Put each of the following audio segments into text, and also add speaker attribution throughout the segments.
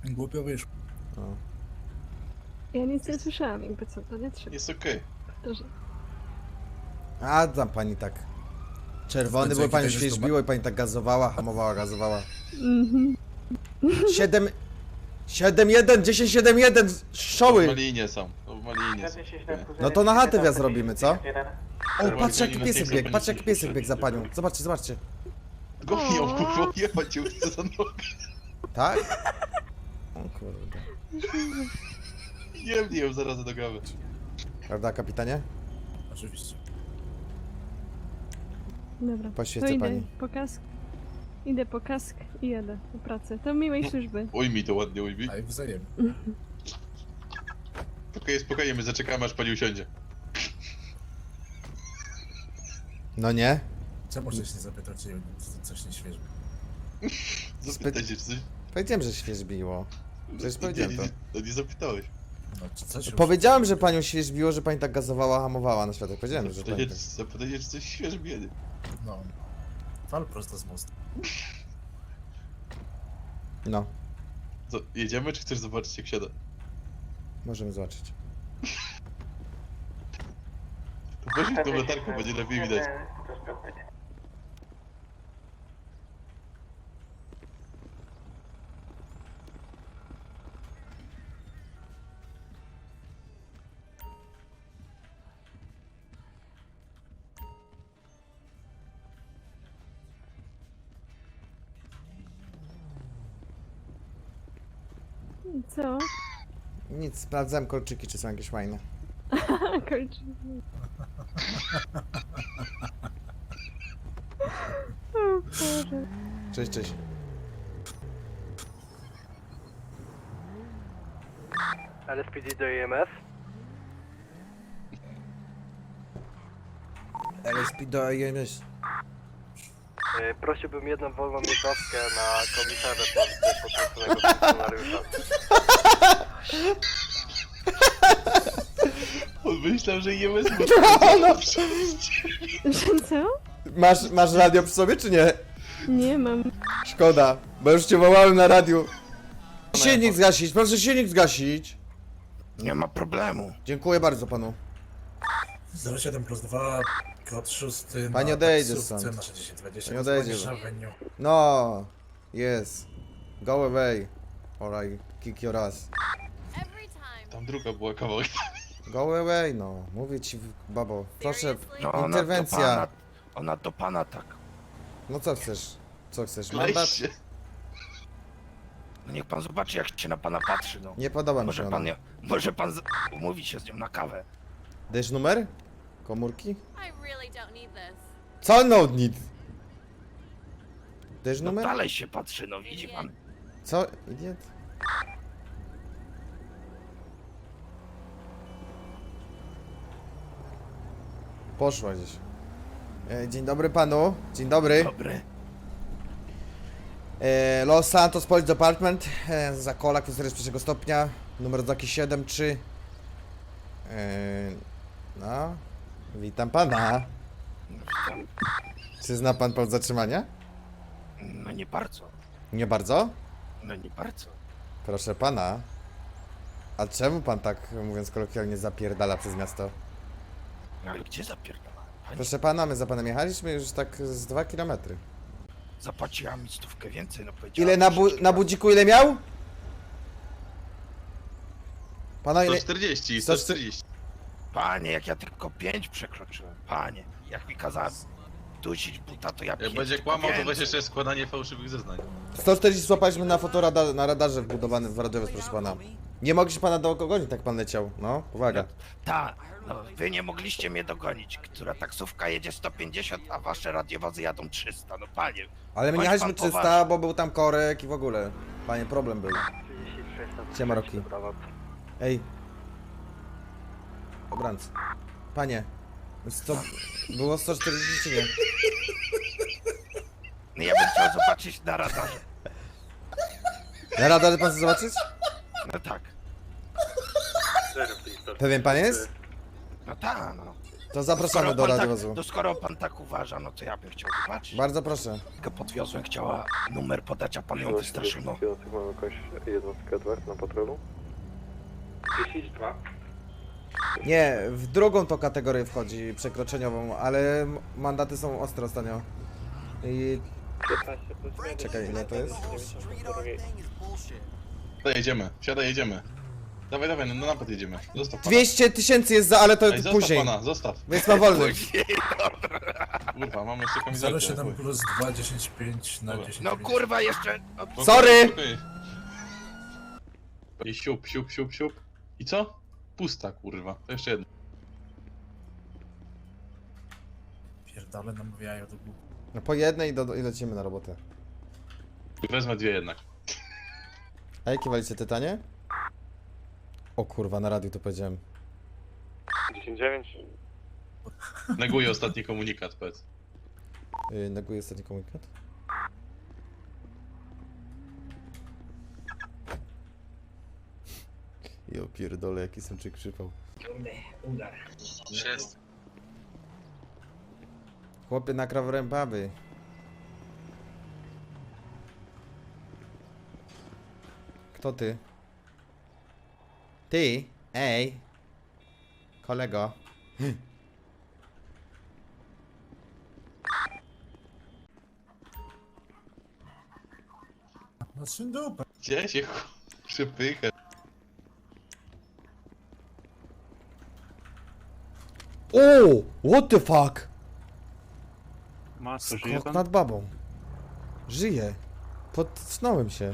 Speaker 1: Głupio wyszło.
Speaker 2: O.
Speaker 3: Ja nic nie słyszałam, jakby co, to nie trzeba.
Speaker 4: Jest okej.
Speaker 3: Powtarzam.
Speaker 2: A tam pani tak. Czerwony, bo pani świeżbiło i pani tak gazowała, hamowała, gazowała. 7-1, 10-7-1, szoły!
Speaker 4: W Malinie są. W Malinie są.
Speaker 2: No to na chatę wjazd robimy, co? O,
Speaker 4: Czerwony
Speaker 2: patrz jaki
Speaker 4: Malinie
Speaker 2: piesek
Speaker 4: są
Speaker 2: biegł, patrz jaki
Speaker 4: Malinie.
Speaker 2: piesek biegł za panią. Zobaczcie, zobaczcie.
Speaker 4: Goni ją, kurwa, jechać ją chce za nogę.
Speaker 2: Tak? O kurde.
Speaker 4: Jemnie ją zaraz do gawy.
Speaker 2: Prawda, kapitanie?
Speaker 1: Oczywiście.
Speaker 3: Dobra,
Speaker 2: Poświecę
Speaker 3: to idę
Speaker 2: pani.
Speaker 3: po kask. Idę po kask i jadę do pracy. To miłej służby.
Speaker 4: Ujmij to ładnie, ujmij.
Speaker 1: A i wzajemnie.
Speaker 4: Spokojnie, spokojnie, my zaczekamy aż pani usiądzie.
Speaker 2: No nie?
Speaker 1: Czemu żeś nie zapytał, czy coś nie świeży?
Speaker 4: Zapytaj się, czy coś...
Speaker 2: Powiedziałem, że świeżbiło. Przecież powiedziałem to.
Speaker 4: No nie zapytałeś.
Speaker 1: No, czy coś
Speaker 2: Powiedziałem, że panią świeżbiło, że pani tak gazowała, hamowała na światach. Powiedziałem, że pani tak.
Speaker 4: Zapytaj się, czy coś świeże biedy.
Speaker 1: No. Fal prosto z mostu.
Speaker 2: No,
Speaker 4: Co, jedziemy, czy chcesz zobaczyć jak siada?
Speaker 2: możemy zobaczyć.
Speaker 4: To weź tą latarką, będzie lepiej widać.
Speaker 3: Co?
Speaker 2: Nic, sprawdzałem kolczyki, czy są jakieś fajne.
Speaker 3: Kończy. O Boże.
Speaker 2: Cześć, cześć.
Speaker 5: LSPD do EMS.
Speaker 2: LSP do IMS.
Speaker 5: Prosiłbym jedną wolną jednostkę na komisarza potrąconego funkcjonariusza.
Speaker 4: On myślał, że jemy z
Speaker 3: Że co?
Speaker 2: Masz radio przy sobie, czy nie?
Speaker 3: Nie mam.
Speaker 2: Szkoda, bo już cię wołałem na radiu. Silnik zgasić, proszę silnik zgasić.
Speaker 6: Nie ma problemu.
Speaker 2: Dziękuję bardzo panu.
Speaker 1: 07 plus 2, kod 6.
Speaker 2: Panie odejdzie
Speaker 1: taksówce
Speaker 2: stąd.
Speaker 1: na 6020.
Speaker 2: Panie odejdzie.
Speaker 1: Dzwonisz Avenue.
Speaker 2: No, yes. Go away. Or I kick your ass.
Speaker 4: Tam druga była kawałek.
Speaker 2: Go away, no. Mówię ci, babo. Proszę,
Speaker 6: No,
Speaker 2: interwencja.
Speaker 6: Ona do pana tak.
Speaker 2: No co chcesz? Co chcesz?
Speaker 4: Lej
Speaker 2: Mandat?
Speaker 4: się.
Speaker 6: No niech pan zobaczy, jak się na pana patrzy, no.
Speaker 2: Nie podoba mi
Speaker 6: Może
Speaker 2: się
Speaker 6: pan,
Speaker 2: ona.
Speaker 6: może pan umówi się z nią na kawę.
Speaker 2: Dajesz numer? Komórki?
Speaker 7: I really don't need this.
Speaker 2: Co no need? Dajesz
Speaker 6: No
Speaker 2: numer?
Speaker 6: dalej się patrzy, no widzi pan.
Speaker 2: Co? Idiot? Poszła gdzieś. Dzień dobry panu. Dzień dobry.
Speaker 6: Dobry.
Speaker 2: Los Santos Police Department. Zakola, kwestia pierwszego stopnia. Numer oznaki 73. No. Witam pana.
Speaker 6: Witam.
Speaker 2: Czy zna pan powód zatrzymania?
Speaker 6: No nie bardzo.
Speaker 2: Nie bardzo?
Speaker 6: No nie bardzo.
Speaker 2: Proszę pana. A czemu pan tak, mówiąc kolokwialnie, zapierdala przez miasto?
Speaker 6: No ale gdzie zapierdala? Pani
Speaker 2: Proszę pana, my za panem jechaliśmy już tak z 2 km.
Speaker 6: zapłaciła mi 100 więcej, no powiedziała.
Speaker 2: Ile na budziku ile miał? Pana ile?
Speaker 4: 140,
Speaker 2: 140.
Speaker 4: 140.
Speaker 6: Panie, jak ja tylko 5 przekroczyłem. Panie, jak mi kazała dusić buta, to ja
Speaker 4: Jak
Speaker 6: 5
Speaker 4: będzie kłamał, to weź
Speaker 6: więcej.
Speaker 4: jeszcze składanie fałszywych zeznań.
Speaker 2: 140 złapaliśmy na na radarze wbudowanym w radiowiec, proszę pana. Nie mogliście pana dogonić, tak pan leciał. No, uwaga.
Speaker 6: Ta, no wy nie mogliście mnie dogonić, która taksówka jedzie 150, a wasze radiowozy jadą 300, no panie.
Speaker 2: Ale my nie
Speaker 6: Bądź
Speaker 2: jechaliśmy
Speaker 6: pan
Speaker 2: 300,
Speaker 6: poważny.
Speaker 2: bo był tam korek i w ogóle. Panie, problem był.
Speaker 5: 36
Speaker 2: Siema, Rocky. Ej. Obrance. Panie. Było 140 czy nie?
Speaker 6: No ja bym chciał zobaczyć na radarze.
Speaker 2: Na radarze pan chce zobaczyć?
Speaker 6: No tak,
Speaker 2: Pewien pan jest?
Speaker 6: no tak, no.
Speaker 2: To zapraszamy do radiowozu.
Speaker 6: To skoro pan tak uważa, no to ja bym chciał zobaczyć.
Speaker 2: Bardzo proszę.
Speaker 6: Tylko podwiozłem, chciała numer podać, a pan ją wystraszył, no.
Speaker 5: Mamy jakąś jednostkę Edward na patrolu?
Speaker 8: 10-2.
Speaker 2: Nie, w drugą to kategorię wchodzi, przekroczeniową, ale mandaty są ostre ostatnio. I...
Speaker 8: 15 plus 1.
Speaker 2: Czekaj, ile to jest?
Speaker 4: Siadaj, jedziemy, siadaj, jedziemy. Dawaj, dawaj, no na napad jedziemy. Zostaw pana.
Speaker 2: 200 000 jest za, ale to
Speaker 4: Ej, zostaw
Speaker 2: później.
Speaker 4: pana, zostaw.
Speaker 2: Więc ma wolny.
Speaker 4: Kurwa, mamy jeszcze kamizelkę.
Speaker 1: 07 plus 2, 10, 5 na
Speaker 4: Dobra.
Speaker 1: 10.
Speaker 6: No kurwa, jeszcze... No,
Speaker 4: Spokojnie,
Speaker 2: Sorry!
Speaker 4: spokojnie. I siup, siup, siup, siup. I co? Pusta, kurwa. To jeszcze jedno.
Speaker 1: Pierdolę namawiają do głupi.
Speaker 2: No po jednej i lecimy na robotę.
Speaker 4: Wezmę dwie jednak.
Speaker 2: A jakie walicie tytanie? O kurwa, na radiu to powiedziałem.
Speaker 5: 10-9.
Speaker 4: Neguję ostatni komunikat, powiedz.
Speaker 2: Neguję ostatni komunikat. Jo pierdolę, jaki sęczyk przypał.
Speaker 4: Jest.
Speaker 2: Chłopie na krawrębaby. Kto ty? Ty? Ej! Kolego.
Speaker 1: No syn dupę.
Speaker 4: Gdzie się przypycha?
Speaker 2: O! What the fuck?
Speaker 8: Masz,
Speaker 2: Skok nad babą. Żyję. Podsnąłem się.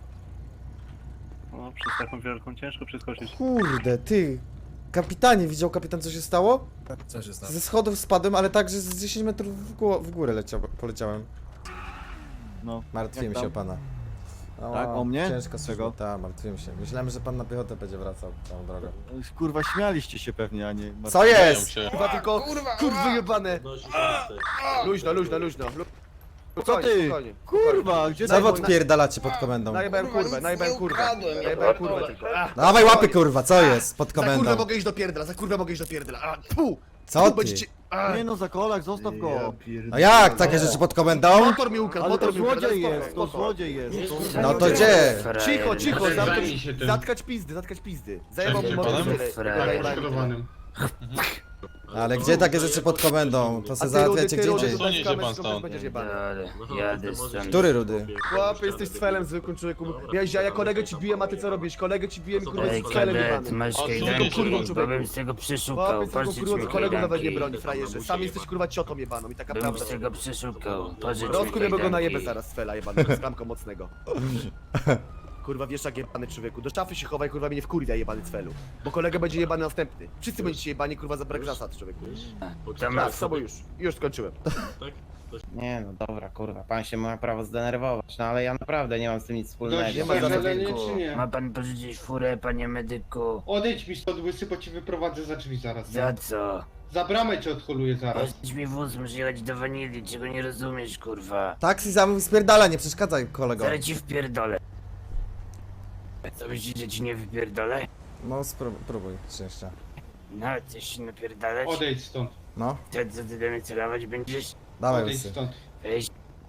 Speaker 8: No, przez taką wielką ciężko przeskoczyć.
Speaker 2: Kurde, ty. Kapitanie, widział kapitan co się stało?
Speaker 1: Co się stało?
Speaker 2: Ze schodów spadłem, ale tak, że z 10 metrów w górę poleciałem.
Speaker 9: No.
Speaker 2: Martwiłem
Speaker 9: jak
Speaker 2: się o
Speaker 9: tam?
Speaker 2: pana.
Speaker 9: Tak, o mnie?
Speaker 2: Ciężko
Speaker 9: Czego?
Speaker 2: służba. Tak, martwiłem się. Myślałem, że pan na piechotę będzie wracał całą drogę.
Speaker 9: Kurwa, śmialiście się pewnie, a nie...
Speaker 2: Co jest?
Speaker 4: Się.
Speaker 10: Kurwa tylko, kurwa jebane. Luźno, luźno, luźno.
Speaker 9: Co ty? Kurwa, gdzie
Speaker 2: Co wy
Speaker 9: ty?
Speaker 2: odpierdalacie pod komendą?
Speaker 10: Najebałem kurwę, najebałem kurwę. Najebałem kurwę tylko.
Speaker 2: Dawaj łapy kurwa, co jest pod
Speaker 10: Za kurwę
Speaker 2: komendą?
Speaker 10: mogę iść do pierdla, za kurwę mogę iść do pierdla. A, pu!
Speaker 2: Co ty?
Speaker 10: Będziecie... A,
Speaker 9: Nie no, za kolak, zostaw go.
Speaker 2: No jak, takie rzeczy pod komendą?
Speaker 10: motor mi ukradł,
Speaker 9: Ale to
Speaker 10: motor mi ukradł.
Speaker 9: złodziej
Speaker 10: spoko,
Speaker 9: jest, to
Speaker 10: spoko.
Speaker 9: złodziej jest.
Speaker 2: No to gdzie?
Speaker 10: Cicho, cicho, zatkać pizdy, zatkać pizdy. Zajebał mi
Speaker 4: Cześć,
Speaker 10: motor.
Speaker 4: panem?
Speaker 2: Ale gdzie takie rzeczy pod komendą? To se załatwiacie gdzie indziej.
Speaker 4: Sunie się pan stąd.
Speaker 10: Będziesz jebany.
Speaker 5: Jadę stąd.
Speaker 2: Który rudy?
Speaker 10: Chłopie, jesteś cfelem zwykłym człowieku. Miałeś ja kolegę ci biłem, a ty co robisz? Kolegę ci biłem i kurwa
Speaker 5: Ej,
Speaker 10: z felem
Speaker 5: kadet,
Speaker 10: jebany.
Speaker 5: masz
Speaker 4: Odsuń
Speaker 5: kajdanki,
Speaker 4: się,
Speaker 10: kurwa,
Speaker 5: bo bym z tego przeszukał.
Speaker 10: Chłopie, z
Speaker 5: Pożycz
Speaker 10: kurwa
Speaker 5: mi
Speaker 10: kolegów nawet nie
Speaker 5: kajdanki.
Speaker 10: broni, frajerze. Sam jesteś kurwa ciotą jebaną i taka
Speaker 5: Bym
Speaker 10: prawda.
Speaker 5: z tego przeszukał. Pożycz mi
Speaker 10: Rozkuj bo go
Speaker 5: kajdanki.
Speaker 10: najebę zaraz z fela jebanego, z klamką mocnego. Kurwa wiesz jak jebany człowieku. Do szafy się chowaj, kurwa mnie nie wkurwia jebany z felu. Bo kolega będzie jebany następny. Wszyscy będziecie jebani kurwa za brak zasad człowieku.
Speaker 5: To
Speaker 10: Tak,
Speaker 5: ma
Speaker 10: z sobą już skończyłem.
Speaker 11: Nie no dobra, kurwa, pan się ma prawo zdenerwować, no ale ja naprawdę nie mam z tym nic wspólnego.
Speaker 10: Nie ma żadnego.
Speaker 5: Ma pan pożyczyć furę, panie medyku?
Speaker 8: Odejdź mi stąd łysy, bo ci wyprowadzę za drzwi zaraz.
Speaker 5: Za co?
Speaker 8: Za bramę cię odholuję zaraz.
Speaker 5: Pożycz mi wóz, muszę jechać do Wanili, czego nie rozumiesz, kurwa.
Speaker 2: Taksi zamów spierdala, nie przeszkadzaj kolego.
Speaker 5: Zaraz ci wpierdolę. Co myślisz, że ci nie wypierdolę?
Speaker 2: No spróbuj szczęścia.
Speaker 5: No, chcesz się napierdalać?
Speaker 8: Odejdź stąd,
Speaker 2: No,
Speaker 5: To co ty do mnie celować będziesz?
Speaker 2: dawaj
Speaker 8: odejdź
Speaker 2: łysy.
Speaker 8: stąd.
Speaker 5: Weź.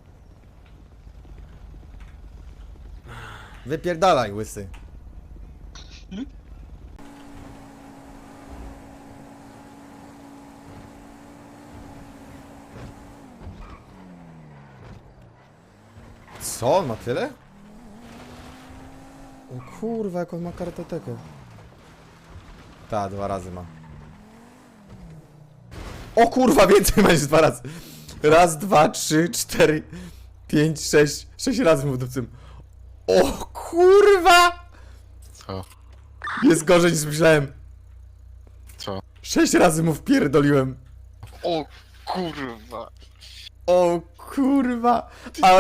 Speaker 2: Wypierdalaj łysy. Co? On ma tyle? O kurwa, jak on ma kartotekę. Ta, 2 razy ma. O kurwa, więcej ma niż 2 razy. Raz, 2, 3, 4, 5, 6. 6 razy mu w dupcym. O kurwa!
Speaker 4: Co?
Speaker 2: Jest gorzej niż myślałem.
Speaker 4: Co?
Speaker 2: 6 razy mu wpierdoliłem.
Speaker 4: O kurwa.
Speaker 2: O kurwa.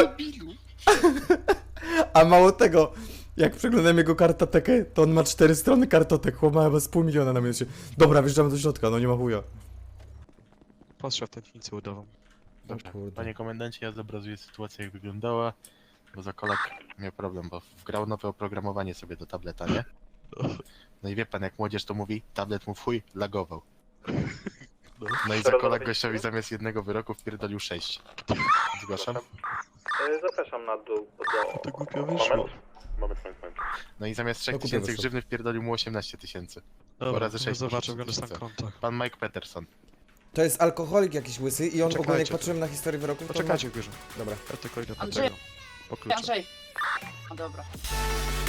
Speaker 2: A mało tego, jak przeglądam jego kartotekę, to on ma 4 strony kartotek. Chłop ma chyba z pół miliona na minucie. Dobra, wjeżdżamy do środka, no nie ma chuja.
Speaker 12: Patrzę w tętnicę udową.
Speaker 4: Dobrze.
Speaker 2: kurde.
Speaker 4: Panie komendancie, ja zobrazuję sytuację jak wyglądała, bo za kolak miał problem, bo wgrał nowe oprogramowanie sobie do tableta, nie? No i wie pan, jak młodzież to mówi, tablet mu w chuj lagował. No i za kolak gościowi zamiast jednego wyroku wpierdolił 6. Zgłaszam.
Speaker 5: Zapraszam na dół do...
Speaker 12: To głupio wyszło.
Speaker 5: Moment.
Speaker 4: No i zamiast 3
Speaker 2: No, kupię
Speaker 4: tysięcy
Speaker 2: wyszło.
Speaker 4: grzywny wpierdolił mu 18 tysięcy.
Speaker 12: Dobra,
Speaker 4: razy
Speaker 12: ja
Speaker 4: 6
Speaker 12: zobaczę, go na kontach.
Speaker 4: Pan Mike Peterson.
Speaker 2: To jest alkoholik jakiś łysy i on ogólnie jak
Speaker 12: Poczekajcie.
Speaker 2: patrzyłem na historię wyroków, to
Speaker 12: Poczekajcie, bierze.
Speaker 2: Dobra.
Speaker 12: Ja tylko idę po
Speaker 7: Andrzej.
Speaker 12: tego. Po klucze.
Speaker 7: Andrzej. No dobra.